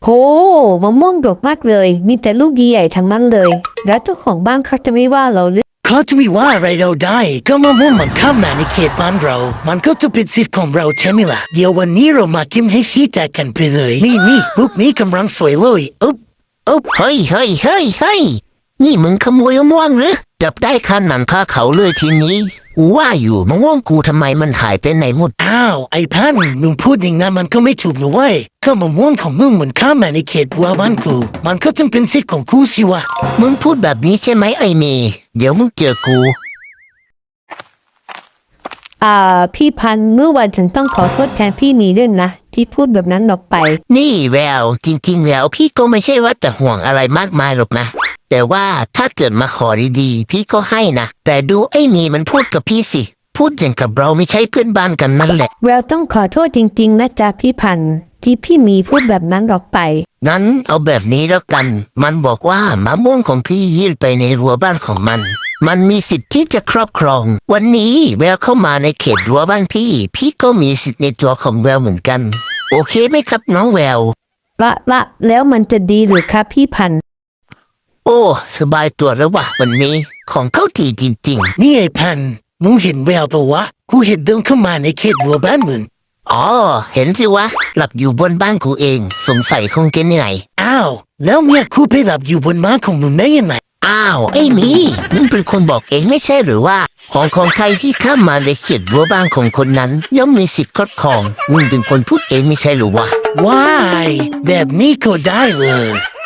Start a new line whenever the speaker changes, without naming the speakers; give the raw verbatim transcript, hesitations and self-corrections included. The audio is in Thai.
โหมะม่วงดกมากเลย มีแต่ลูกใหญ่ๆทั้งนั้นเลย แล้วเจ้าของบ้านเขาจะไม่ว่าเราหรือ
เขาจะไม่ว่าอะไรเราได้ก็มะม่วงมันเข้ามาในเขตบ้านเรา มันก็จะเป็นสิทธิ์ของเราใช่ไหมล่ะเดี๋ยววันนี้เรามากินให้ขี้แตกกันไปเลยนี่นี่ลูกนี้กำลังสวยเลยอุ๊บอุ๊บ
เฮ้ยเฮ้ยเฮ้ยเฮ้ยนี่มึงขโมยมะม่วงหรือจับได้คันหนังคาเขาเลยทีนี้กูว่าอยู่มะม่วงกูทำไมมันหายไปไหนหมด
อ้าวไอ้พันมึงพูดอย่างนั้นมันก็ไม่ถูกนะเว้ยก็มะม่วงของมึงเหมือนเข้ามาในเขตบัวบ้านกูมันก็ต้องเป็นสิทธิ์ของกูสิวะ
มึงพูดแบบนี้ใช่ไหมไอ้เมย์เดี๋ยวมึงเจอกู
อ่าพี่พันธุ์เมื่อวันฉันต้องขอโทษแทนพี่นีด้วยนะที่พูดแบบนั้นออกไป
นี่แววจริงๆแล้วพี่ก็ไม่ใช่ว่าจะห่วงอะไรมากมายหรอกนะแต่ว่าถ้าเกิดมาขอดีๆพี่ก็ให้นะแต่ดูไอ้นี่มันพูดกับพี่สิพูดอย่างกับเราไม่ใช่เพื่อนบ้านกันนั่นแหละ
แววต้องขอโทษจริงๆนะจ๊ะพี่พันธุ์ที่พี่มีพูดแบบนั้นออกไป
งั้นเอาแบบนี้แล้วกันมันบอกว่ามะม่วงของพี่ยื่นไปในรั้วบ้านของมันมันมีสิทธิ์ที่จะครอบครองวันนี้แววเข้ามาในเขตรั้วบ้านพี่พี่ก็มีสิทธิ์ในตัวของแววเหมือนกันโอเคไหมครับน้องแวว
ละละแล้วมันจะดีหรือครับพี่พันธุ์
โอ้สบายตัวแล้ววะวันนี้ของเข้าทีจริง
ๆนี่ไอ้พันมึงเห็นแววปะวะกูเห็นเดินเข้ามาในเขตบัวบ้านมึง
อ๋อเห็นสิวะหลับอยู่บนบ้านกูเองสงสัยคงจะเหนื่อย
อ้าวแล้วเมียกูไปหลับอยู่บนม้าของมึงได้ยังไง
อ้าวไอ้มีมึงเป็นคนบอกเองไม่ใช่หรือว่าของของใครที่เข้ามาในเขตรั้วบ้านของคนนั้นย่อมมีสิทธิ์ครอบครองมึงเป็นคนพูดเองไม่ใช่หรือวะ
ว้ายแบบนี้ก็ได้เลย